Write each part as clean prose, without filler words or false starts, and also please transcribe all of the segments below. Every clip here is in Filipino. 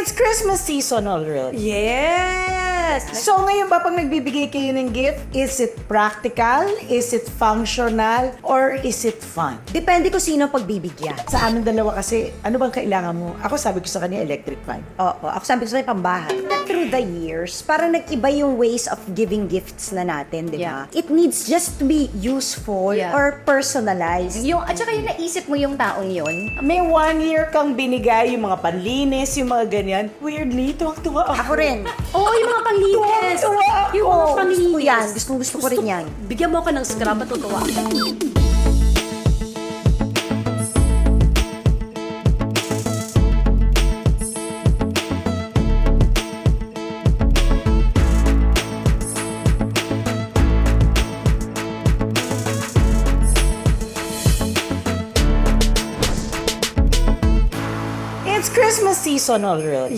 It's Christmas season already. Yes! So ngayon ba pag nagbibigay kayo ng gift, is it practical? Is it functional? Or is it fun? Depende kung sino pagbibigyan. Sa aming dalawa kasi, ano bang kailangan mo? Ako sabi ko sa kanya, electric fan. Oo, ako sabi ko sa'yo, pambahay. Through the years, parang nag-iba yung ways of giving gifts na natin, di ba? It needs just to be useful or personalized. At saka yung naisip mo yung taong yun. May 1 year kang binigay, yung mga panlinis, yung mga ganyan. Weirdly, tuwang-tuwa ako. Ako rin. Oo, yung mga panglinis. Tuwa ako. Yung mga Gusto panglinis. ko yan. Gusto ko rin yan. Bigyan mo ako ng scrub, matutuwa. It's Christmas season already.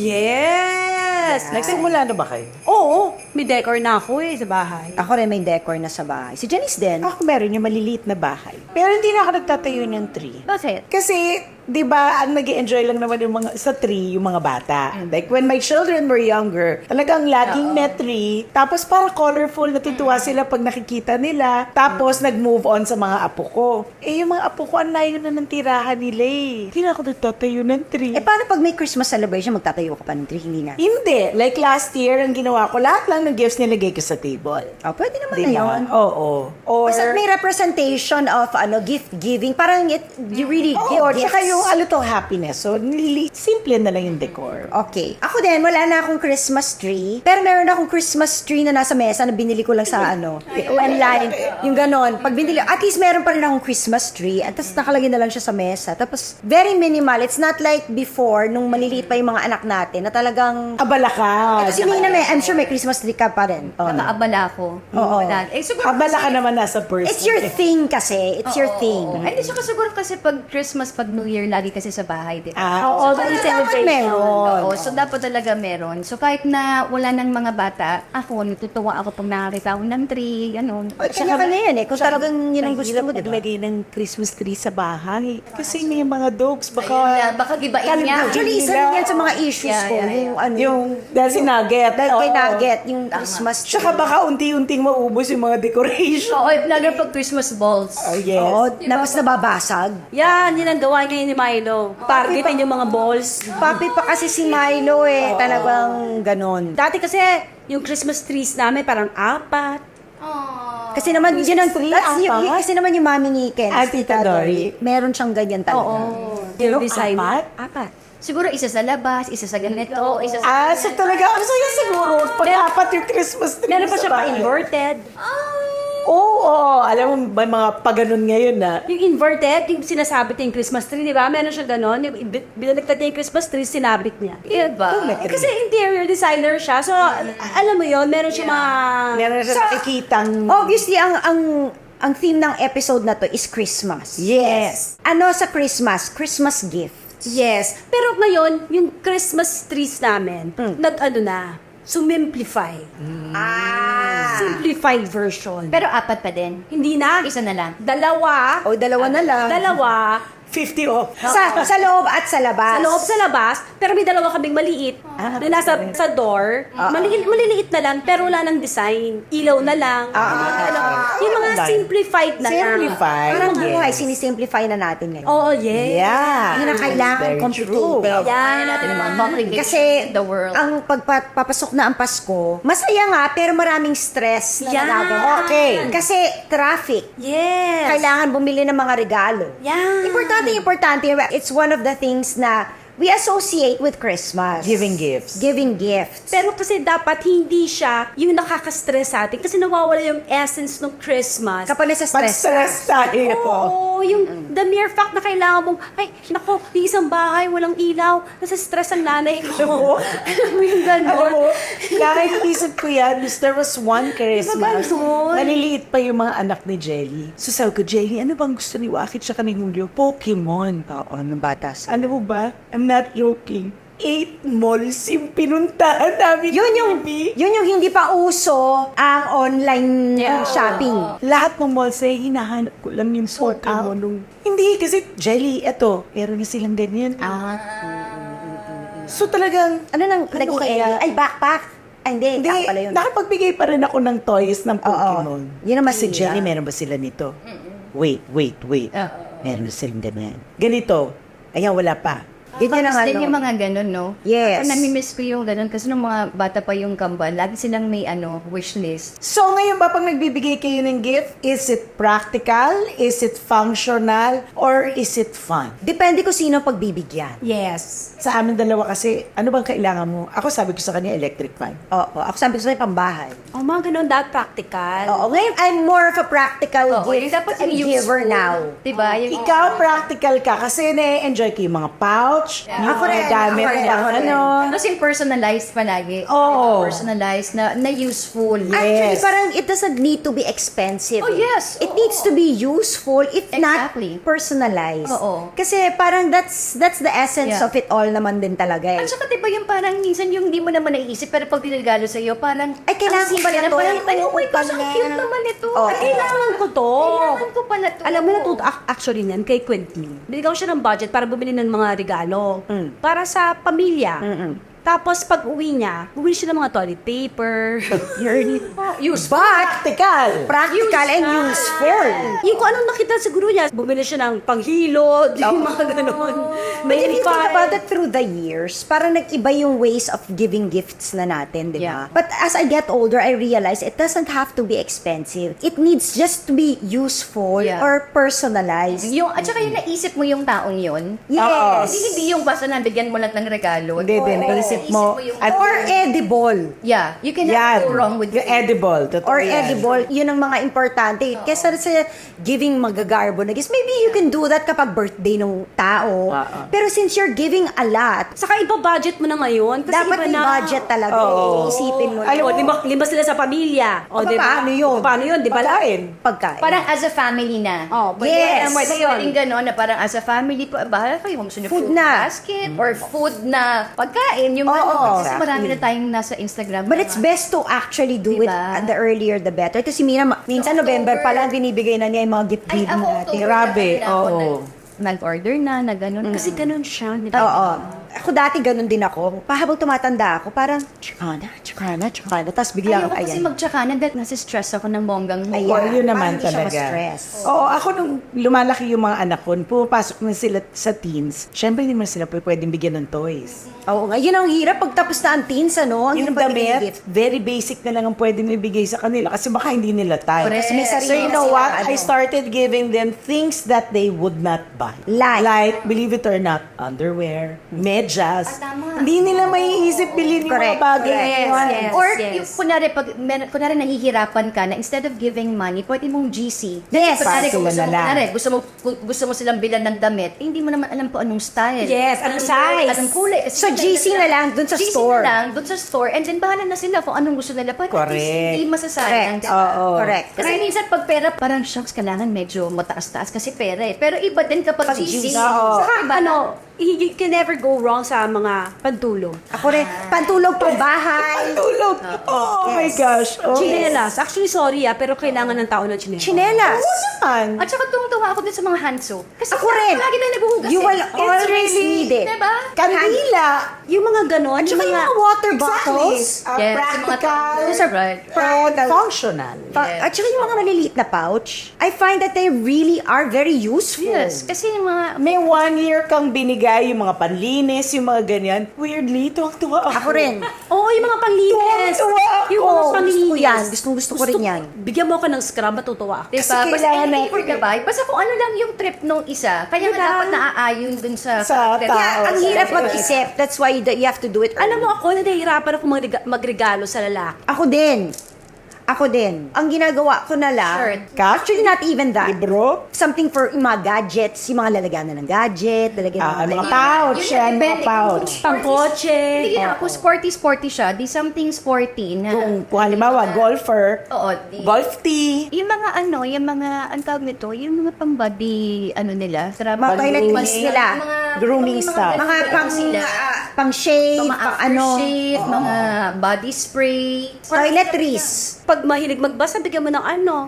Yes! Nagsimula na ba kayo? Oo, may decor na ako sa bahay. Ako rin may decor na sa bahay. Si Janice din. Ako meron yung maliliit na bahay. Pero hindi na ako nagtatayo ng tree. Bakit? Kasi, di ba, ang nag-enjoy lang naman yung mga, sa tree, yung mga bata. Like, when my children were younger, talagang laging may tree. Tapos, para colorful, natutuwa sila pag nakikita nila. Tapos, nag-move on sa mga apo ko. Eh, yung mga apo ko, ang layo na ng tirahan nila eh. Hindi na ako nagtatayo ng tree. Eh, paano pag may Christmas celebration, magtatayo ka pa ng tree? Hindi na. Hindi. Like last year, ang ginawa ko, lahat lang ng gifts nilagay ko sa table. Oh, pwede naman Di na ba? yun. Oo. Or, Basta may representation of gift giving. Parang you really give oo, gifts. tsaka yung a little happiness. So, simple na lang yung decor. Okay. Ako din, wala na akong Christmas tree. Pero meron akong Christmas tree na nasa mesa na binili ko lang sa online. Yung ganon. Pag binili, at least meron pa rin akong Christmas tree. At tapos nakalagay na lang siya sa mesa. Tapos, very minimal. It's not like before, nung maliliit pa yung mga anak natin, na talagang... Abala ka. Kasi Nina, I'm sure may Christmas tree ka pa rin. Nakaabala ko. Oo. Siguro Abala ka naman nasa person. It's your thing kasi. It's your thing. Ay, hindi siya siguro kasi pag Christmas, pag New Year, lagi kasi sa bahay, di ba? Oo. Dapat meron. Oo, so dapat talaga meron. So kahit na wala ng mga bata, ako, natutuwa ako pag nakakita ako ng tree, gano'n. Kanya-kanya yan eh. Kung talagang yun ang gusto mo, di ba? Maglagay ng Christmas tree sa bahay. Kasi may mga dogs, baka... Ayun na, baka gibain niya. Actually, isa rin yan sa mga issues ko. Yung ano, Yung, dahil si Nugget. dahil kay Oo. Nugget, yung Christmas tree. Tsaka baka unti-unting maubos yung mga decoration. Oo, lalo pag Christmas balls. Oh, yes. Oo, tapos nababasag. Yan, yun ang gawa ngayon ni Milo. Targetin yung mga balls. Papi pa kasi si Milo eh. Talagang ganon. Dati kasi, yung Christmas trees namin parang 4. Kasi naman, yun ang, tree, kasi naman yung mami ni Ken, Ah, si Tita Dory. meron siyang ganyan talaga. Yung design. 4? Siguro isa sa labas, isa sa ganito, isa sa... So talaga, ano sa'yo siguro, pag-apat yung Christmas tree Meron pa sa siya pa bahay. inverted. Oo. Alam mo, may mga paganon ngayon na. Yung inverted, yung sinasabit niya yung Christmas tree, di ba? Meron siya ganon. Binaliktad niya yung Christmas tree, sinabit niya. Diba? Kasi interior designer siya. So, alam mo yon meron siya mga... Meron na siya nakikitang... Obviously, ang theme ng episode na to is Christmas. Yes. Ano sa Christmas? Christmas gift. Yes. Pero ngayon, yung Christmas trees namin, sumimplify. Simplified version. Pero apat pa din. Hindi na. Isa na lang. Dalawa. O, dalawa na lang. Dalawa. 50 off. Sa loob at sa labas. Sa loob sa labas, pero may dalawa kaming maliit na nasa sa door. Maliliit na lang, pero wala nang design. Ilaw na lang. Yung mga simplified na lang. Simplified. Parang Yes. buhay, sinisimplify na natin ngayon. Oo, yes. Yeah. Hindi na kailangan Very complicated. true. Kaya natin naman complicate Kasi the world. ang pagpapasok na ang Pasko, masaya nga pero maraming stress na Yan. nagagawa. Okay. Kasi traffic. Yes. Kailangan bumili ng mga regalo. Yan. Importante. It's one of the things na we associate with Christmas. Giving gifts. Giving gifts. Pero kasi dapat hindi siya yung nakaka-stress sa atin kasi nawawala yung essence ng Christmas. Kapag nasa stress. Pag-stress tayo. Oo, yung the mere fact na kailangan mong, ay, nako, yung isang bahay, walang ilaw, nasa stress ang nanay ko. Alam mo yung gano'n? Oo. Nakikisip ko yan, there was one Christmas. Diba, Maliliit pa yung mga anak ni Jelly. So sabi ko, Jelly, ano bang gusto ni Wakit siya ni Julio? Pokemon. Oo, ng batas. Ano mo ba? I'm not joking. 8 malls yung pinuntahan namin. Yun yung hindi pa uso ang online shopping. Lahat ng malls ay hinahanap ko lang yung Pokemon. Hindi, kasi Jelly, eto, meron na silang ganyan. So talagang, Ano nang Ano naging kaya? Ay, backpack. Ay, hindi. hindi, Ako pala yun. nakapagbigay pa rin ako ng toys ng Pokemon. Yun naman Si sila. Jenny, meron ba sila nito? Wait. Ah. Meron silang ganyan. Ganito. Ayan, wala pa. Ganyan ang Tapos din ano. yung mga ganun, no? Yes. Ako namimiss ko yung ganun kasi nung mga bata pa yung kambal, lagi silang may wish list. So, ngayon ba pag nagbibigay kayo ng gift, is it practical? Is it functional? Or is it fun? Depende ko sino pagbibigyan. Yes. Sa amin dalawa kasi, ano bang kailangan mo? Ako sabi ko sa kanya, electric fan. Oo. Ako sabi ko sa'yo, pambahay. Oh, mga ganun, that practical. Oo. Ngayon, I'm more of a practical Oo, yung gift dapat yung giver useful. now. Diba? Yung, Ikaw, practical ka kasi na-enjoy ko yung mga pouch, yung Ako rin, mga gamit ako rin, pang ako rin. ano. Tapos yung personalized palagi. Oo. Personalized na useful. Actually, Yes. parang it doesn't need to be expensive. Oh, yes. It Oo. needs to be useful, if Exactly. not personalized. Oo. Kasi parang that's the essence Yeah. of it all naman din talaga eh. At saka diba yung parang minsan yung di mo naman naiisip pero pag tinagalo sa iyo parang Ay, kailangan ang simple ko pala na, to. parang tayo, oh my gosh, ang Pala. cute naman ito. Oo. At Kailangan ko to. Kailangan ko pala to. Alam mo, natuto actually niyan kay Quentin. Binigyan ko siya ng budget para bumili ng mga regalo. Para sa pamilya. Tapos pag uwi niya, bumili siya ng mga toilet paper. Useful. Practical! Practical and useful. Yung kung anong nakita sa guru niya, bumili siya ng panghilod, yung mga ganun. But if you think file. about it through the years, parang nag-iba yung ways of giving gifts na natin, di ba? Yeah. But as I get older, I realize it doesn't have to be expensive. It needs just to be useful Yeah. or personalized. Yung, at saka yung naisip mo yung taong yun. Yes. Hindi yung basta nabigyan mo lang ng regalo. Hindi din, naisip mo. yung, At Or edible. yeah, you cannot yan, go wrong with yung edible. Totoo Or yan. edible, yun ang mga importante. Kesa sa giving magagarbo na gifts, maybe you can do that kapag birthday ng tao. Pero since you're giving a lot, Saka iba budget mo na ngayon. Kasi dapat iba may na. budget talaga. Oo. Isipin mo. Alam mo, lima sila sa pamilya. O, Aba, di ba? paano yun? Paano yun? Di ba? Pagkain. Pagkain. Parang as a family na. Oh, pwede Yes. na, pwede yun. Pwedeng gano'n na parang as a family, bahala kayo kung gusto nyo Food fruit na. basket or food na pagkain. Yung Oo, ano, kasi exactly. marami na tayong nasa Instagram. But na it's best to actually do it Diba? the earlier the better. Kasi minsan November pa lang binibigay na niya yung mga gift Ay, giving ako, natin. October Grabe, na ako oo. nag-order na gano'n. Kasi Kasi ganun siya. di Oo. ba? Ako dati ganun din ako. Habang tumatanda ako, parang, tsaka na. Tapos bigla ayoko ako, kasi ayan. magtsakanan dahil nasi-stress ako ng bonggang mo. Ayan. Oh, yun naman Parang hindi siya talaga. ma-stress. Oo, ako nung lumalaki yung mga anak ko, pumapasok na sila sa teens, syempre hindi mo sila pwedeng bigyan ng toys. Oo nga, yun ang hirap pag tapos na ang teens, ano? Ang Yung hirap pagbigay ng damit, gift. very basic na lang ang pwedeng ibigay sa kanila kasi baka hindi nila type. Correct. May sarili So you know na what? silang I ano. started giving them things that they would not buy. Like? Believe it or not, underwear, medyas. tama. Hindi nila maiisip bilhin yung mga Correct. bagay na Yes, yun. yes. Or, yes. yung, kunwari nahihirapan ka na instead of giving money, pwede mong GC. Yes. Kunwari, kung Para sila na lang. gusto mo silang bilan ng damit, hindi mo naman alam po anong style. Yes, anong size. Anong kulay. Kasi So, GC na lang dun sa GC store. na lang, dun sa store. And then, bahala na sila kung anong gusto nila. But at least, Correct. hindi masasayang. Correct. Oo. Correct. Kasi minsan pag pera, parang shocks, kailangan medyo mataas-taas kasi pera eh. Pero iba din kapag Pag GC. Oo. Saka ano, you can never go wrong sa mga pantulog. Ako rin, pantulog pang bahay. Tulog. Oh, my gosh. Oh. Chinelas. Actually, sorry pero kailangan ng tao ng chinelas. Chinelas. Oo naman. At saka tuwang-tuwa ako din sa mga hand soap. Kasi Ako rin. lagi na naghuhugas You will eh. always need it. Diba? Kandila. Yung mga ganon, At yung saka yung mga... mga water Exactly. bottles. Yes, Practical. Those are right. And functional. At saka yung mga maliliit na pouch. I find that they really are very useful. Yes, kasi yung mga... May 1 year kang binigay yung mga panlinis, yung mga ganyan. Weirdly, tuwang-tuwa Ako rin. Oo, yung mga panglinis. Tuwang-tuwa ako. Yung mga Gusto panglinis. ko yan. Gusto ko rin yan. Bigyan mo ako ng scrub, matutuwa ako. Diba? Kasi Basta kailangan anything natin- for the buy. Basta kung ano lang yung trip nung isa. Kaya nga Diba? dapat naaayon dun sa... Sa trip. tao. Yeah, ang hirap mag-isip. That's why you have to do it. Alam mo ako, nahihirapan ako magregalo sa lalaki. Ako din. Ang ginagawa ko na lang, Shirt. actually not even that. Libro. Something for yung mga gadgets, yung mga lalagyan na ng gadget, lalagyan Mga ng pouch. Yun Yan, mga depende. pouch. Pangkotse. Hindi nga ako, sporty siya. Di something sporty na... Kung halimbawa, golfer, Oo, golf tee, yung mga, ang tawag nito, yung mga pang-body, nila. mga toiletries nila. grooming stuff. Mga pang shave, Mga pang ano, aftershave, mga body spray. toiletries. Pag mahilig magbasa, bigyan mo ng ano,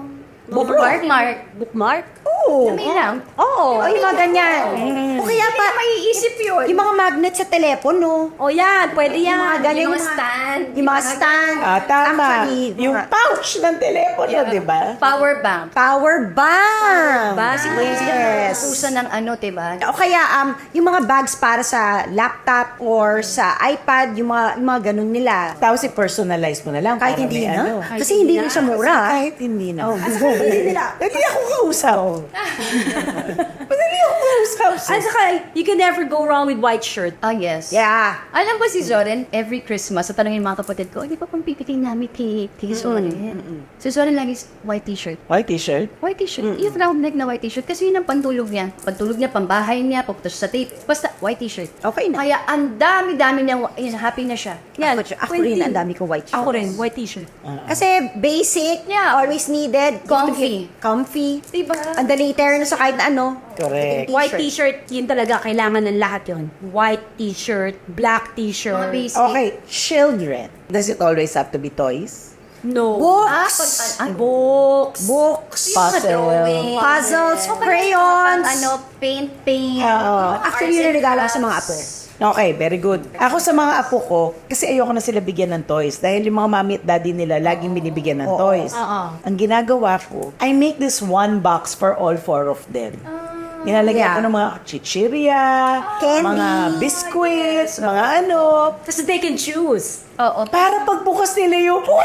Bookmark. Bookmark? Oo. May lang. Oo, yung mga ganyan. O kaya pa, Maiisip yun. yung mga magnet sa telepono. O yan, pwede Yung mga yan. ganyan, Yung mga stand. Yung mga stand. Tama. Actually, Yung mga pouch ng telepono, di ba? Power bank. power bank. Ba? Yes. Pusa ng ano, diba? O kaya, yung mga bags para sa laptop or sa iPad, yung mga ganun nila. Tapos i-personalize mo na lang. Kahit para hindi may na. ano. Kasi hindi rin siya mura. Kahit hindi na. Oh, hindi nila. Hindi ako kausap. Madali ako kausap. At saka, you can never go wrong with white shirt. Oh, yes. Yeah. Alam ba si Zoren, every Christmas, sa tanongin mga kapatid ko, di ba pang pipiting namin kay Zoren? Si Zoren lagi white t-shirt. White t-shirt? White t-shirt. Yung round neck na white t-shirt. Kasi yun ang pantulog niya. Pantulog niya, pambahay niya, pupunta siya sa tape. Basta, white t-shirt. Okay na. Kaya ang dami-dami niya, happy na siya. Yan. Ako rin, ang dami ko white shirts. Ako rin, white t-shirt. Kasi basic, Yeah. always needed. Comfy. Comfy. Diba? Ang dali turn sa kahit na ano. Correct. White t-shirt, yun talaga, kailangan ng lahat yun. White t-shirt, black Mga t-shirt. basic. Okay, children. Does it always have to be toys? No. Books. Books. Books. Puzzle. Puzzles, Pang crayons. ano, paint. Oo. Actually, yun ang regalo ko sa mga apo. Okay, very good. Ako sa mga apo ko, kasi ayoko na sila bigyan ng toys. Dahil yung mga mami at daddy nila, laging binibigyan ng toys. Oo. Ang ginagawa ko, I make this one box for all 4 of them. Nilalagyan ko ng mga chichirya, Candy. mga biscuits, mga ano. Kasi they can choose. Oo. Para pagbukas nila yung, wow!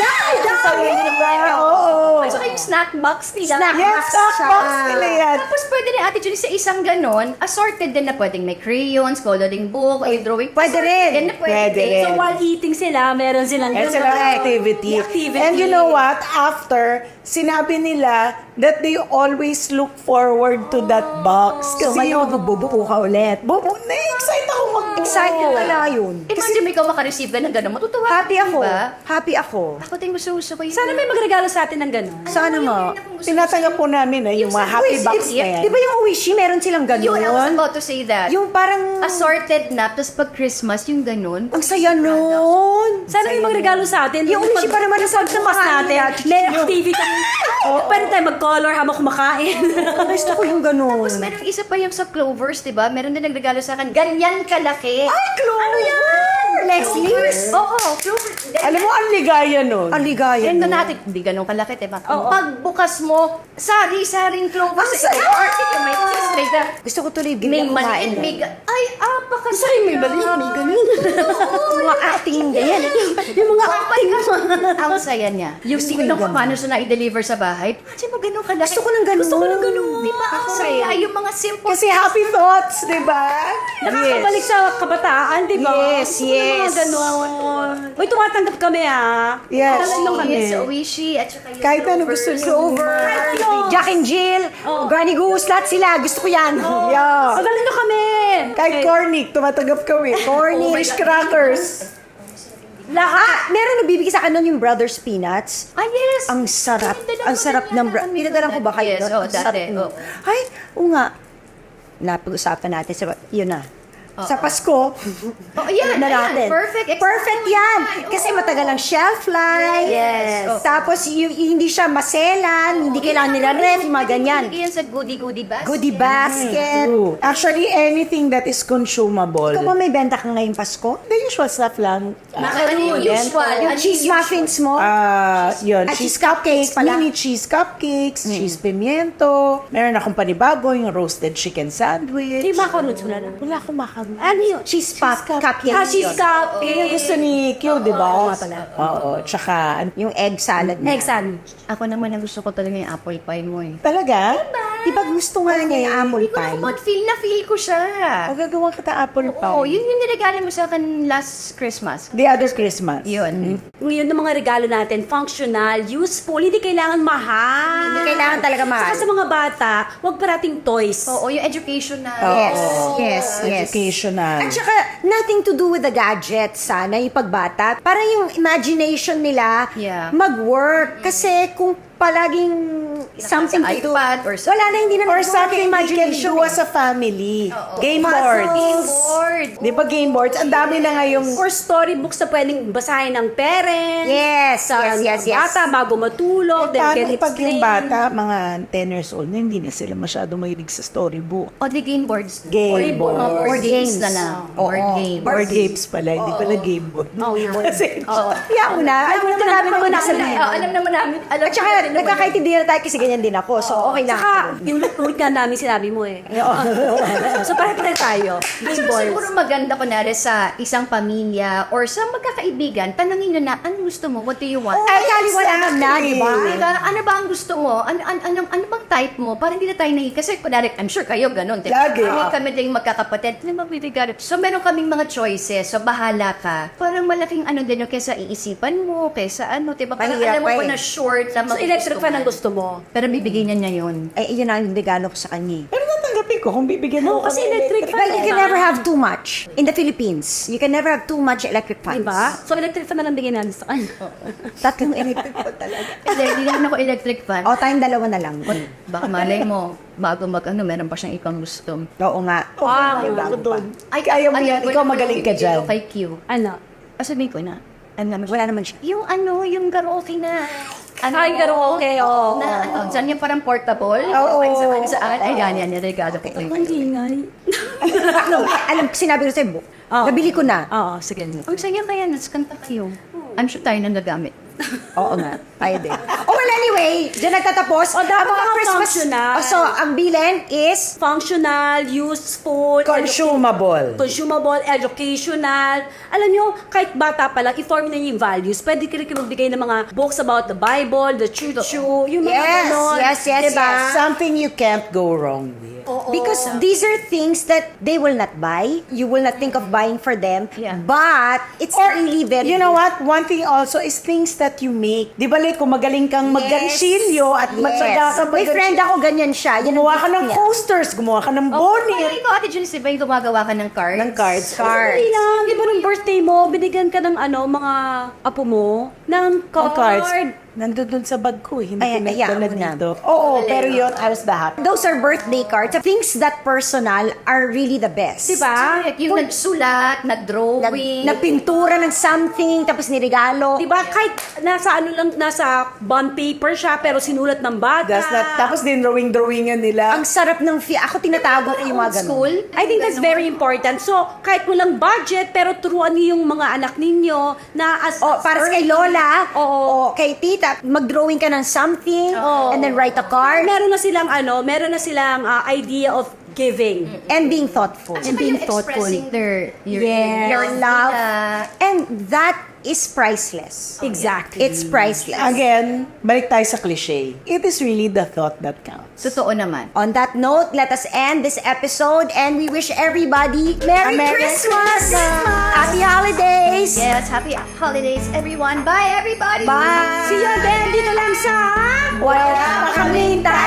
Oo. At saka yung snack box nila. Snack Yes, box stock siya. box nila yan. Tapos pwede rin Ate Julie sa isang ganon, assorted din na pwedeng may crayons, coloring book, ay drawing. Pwede rin. Yan na pwede. Pwede rin. So while eating sila, meron silang And sila activity. Activity. And you know what? After, sinabi nila that they always look forward to that box. So, may magbubuko ka ulit. Na-excite ako magbuo. Excited pala yun. Imagine mo ikaw makareceive ka ng ganon, matutuwa. Happy ako. Diba? Happy ako. Ako din gusto ko yun. Sana may magregalo sa atin ng gano'n. Sana nga. Tinatanggap po namin yung mga happy box na yan. Di ba yung Uwishi, meron silang Yun, I was ganon? about to say that. Yung parang, Assorted na, tapos pag Christmas, yung ganon. ang saya nun. Sana may magregalo sa atin. Yung umishi para naman sa Pagtamas natin, may activity kami. Pwede tayo mag-color habang kumakain. Gusto ko yung ganon. Tapos meron isa pa yung sa Clovers, di ba? Meron din nagregalo sa akin. Ganyan kalaki. Ay, Chloe! Ano yan? Leslie's? Oo, Clovers. Alam mo, ang ligaya nun. Ang ligaya Yan nun. na natin, hindi ganun kalaki, diba? Pagbukas mo, sari-saring Clovers. Ang saya! Yung may cheese, may da- Gusto ko tuloy, may biglang kumain. maliit, may ay, apakasay, may maliit, may ganun. Mga acting ganyan. Yung mga acting ang saya niya. Yung Gusto ko tingnan yung ko ganun. paano siya na-deliver sa bahay. Kasi mo ganun kalaki. Gusto ko ng ganun. Gusto ko ng ganun. Di ba? Ang saya. Yung mga simple. Kasi happy thoughts, di ba? Nakakabalik sa kabataan, di ba? Yes, Gusto ko ng yes. mga ganon. Uy, tumatanggap kami Yes. Talagang kami. Yes, Oishi, at saka yung Kahit ano Clovers. gusto niyo. Clover, Jack and Jill, Granny Goose, lahat sila. Gusto ko yan. Yeah. Magaling na kami. Kahit cornic, tumatanggap kami. Cornic. Fish crackers. Lahat. Meron nagbibigay sa akin nun yung Brothers Peanuts. Ah, yes. Ang sarap. Pinadala Ang ko sarap din ng... yata kami Pinadalan ko ba kayo? Yes, doon? oh, Ang sarap dati, nun. oh. Ay, oo nga. Napag-usapan natin. Yun na. Sa Pasko, Oh, yan, na ayan. natin. Perfect. Perfect yan. Kasi matagal ang shelf life. Yes. Oh. Tapos hindi siya maselan, hindi kailangan nila ref, yung mga ganyan. Yan sa goodie basket. Goodie basket. True. Actually, anything that is consumable. Ikaw ba may benta ka ngayong Pasko? The usual stuff lang. Ano yung usual? Yung Ano cheese yung muffins mo? Yun, Ah, cheese cheese cupcakes cupcakes, pala. mini cheese cupcakes, cheese pimiento. Meron akong panibago, yung roasted chicken sandwich. Hindi macarons mo na lang. Wala akong macaroni. Ano yun? Cheese cupcake. Cheese cup. Yun yung gusto ni Q, di ba? Oo nga pala. Oo, tsaka, Yung egg salad niya. Egg sandwich. Ako naman ang gusto ko talaga yung apple pie mo eh. talaga? Di ba gusto nga niya yung apple Hindi ko pie? na feel ko siya. O gagawa kita apple pie. Oo, yun yung niregalo mo sa akin last Christmas. The other Christmas. Yun. Ngayon ng mga regalo natin, functional, useful, hindi kailangan mahal. Hindi kailangan talaga mahal. Saka sa mga bata, huwag parating toys. Oo, yung education na. Yes. Educational. At saka, nothing to do with the gadgets, sana, yung pagbata. Parang yung imagination nila Yeah. mag-work. Kasi kung palaging something Sa to do. iPad or sa- Wala na, hindi na Or nagagawa something ng we can imagination do eh. as a family. Game Puzzles. boards. Game board. Di ba game boards? Ang dami na ngayong... Or storybooks na pwedeng basahin ng parents. Yes, Sa yes. bata bago matulog. Then Paano can pag yung explain. bata, mga 10 years old na, hindi na sila masyado mahilig sa storybook. O the game boards. Game board. Board games na lang. Board Oo. games. Board games pala, hindi pala game board. Oh, yeah. Kasi, Kaya mo na, alam naman namin Alam kung naman nasa namin. Alam naman namin. Alam At saka, nagkakaintindihan na tayo kasi ganyan din ako. So, okay lang. Saka, yung ulit nga namin sinabi mo eh. So, pare-pare tayo. Game boards. Siguro maganda kunwari sa isang pamilya or sa magkakaibigan, tanongin nyo na, ano gusto mo? What do you want? Ay, kaliwanagan na, di ba? Diba? Ano ba ang gusto mo? Ano bang type mo? Para hindi na tayo nahi. Kasi kunwari, I'm sure kayo ganun. Diba? Lagi. Kami ding magkakapatid. Ano magbibigay? So, meron kaming mga choices. So, bahala ka. Parang malaking ano din yung kesa iisipan mo, kesa ano, diba? Parang Mahirap alam mo pa pa eh. na short na So, electric fan ang gusto mo. Pero bibigyan niya yun. Ay, yun ang regalo ko sa kanya. pero natanggapin ko kung bibigyan mo Kasi kami electric fan. Well, you can never have too much. In the Philippines, you can never have too much electric fans. Diba? So, electric fan na lang bigyan natin sa kanya. Tatlong electric fan talaga. Hindi naman ako electric fan. O, tayong dalawa na lang. Baka malay mo, bago meron pa siyang ibang gusto. Oo nga. Wow, ako doon. Kaya mo yan, ikaw magaling ka dyan. Kay Q. Ano? Sabihin ko na, Wala naman siya. yung yung karaoke na. Ay, karaoke, oo. Na, dyan yung parang portable. Oo. Saan? Ay, yan, regalo ko. Ang ingay. Alam, sinabi ko sa'yo, nabili ko na. Oo, sige. Ang saya kaya, nas kanta kayo. I'm sure tayo nang nagamit. Oo nga, tayo din. Oh, well, anyway, dyan nagtatapos. O, dapat ang mga mga Christmas. functional. So, ang bilin is Functional, useful, Consumable. educational. Alam nyo, kahit bata pa lang, i-form na yung values. Pwede ka rin magbigay ng mga books about the Bible, the choo-choo, yung mga Yes, ganon. yes, Diba? Something you can't go wrong with. because these are things that they will not buy. You will not think of buying for them. Yeah. But, it's really very You know what? One thing also is things that you make. Di ba, like, kung magaling kang maggansilyo at matsaga ka May friend ako, ganyan siya. Yan ang gumawa ka gift ng niya. coasters, gumawa ka ng bonnet. Parang ikaw, Ate Junice, diba yung gumagawa ka ng cards? Ng cards. Dali lang. Di ba nung birthday mo, binigyan ka ng mga apo mo, ng Cards. card. Nandun dun sa bag ko, hindi Ay, ko hayaan nagdala mo na. dito. Oo, pero yun, I was the happy. Those are birthday cards. Things that personal are really the best. Diba? Correct. Yung nagsulat, nag-drawing. Na pintura ng something, tapos niregalo. Diba? Kahit nasa bond paper siya, pero sinulat ng bata. That's not, tapos din drawing-drawingan nila. Ang sarap ng ako tinatago ko yung mga ganun. School. I think that's very important. So, kahit walang budget, pero turuan niyo yung mga anak ninyo na O, para sa kay Lola, Oo. o kay Tita, mag-drawing ka ng something, and then write a card, meron na silang idea of giving. and being thoughtful. And being thoughtful. Your Your love. And that is priceless. Exactly. It's priceless. Again, balik tayo sa cliche. It is really the thought that counts. Totoo naman. On that note, let us end this episode, and we wish everybody Merry Christmas! Happy holidays! Yes, happy holidays, everyone. Bye, everybody. Bye! See you again dito lang sa... Wala pa kaming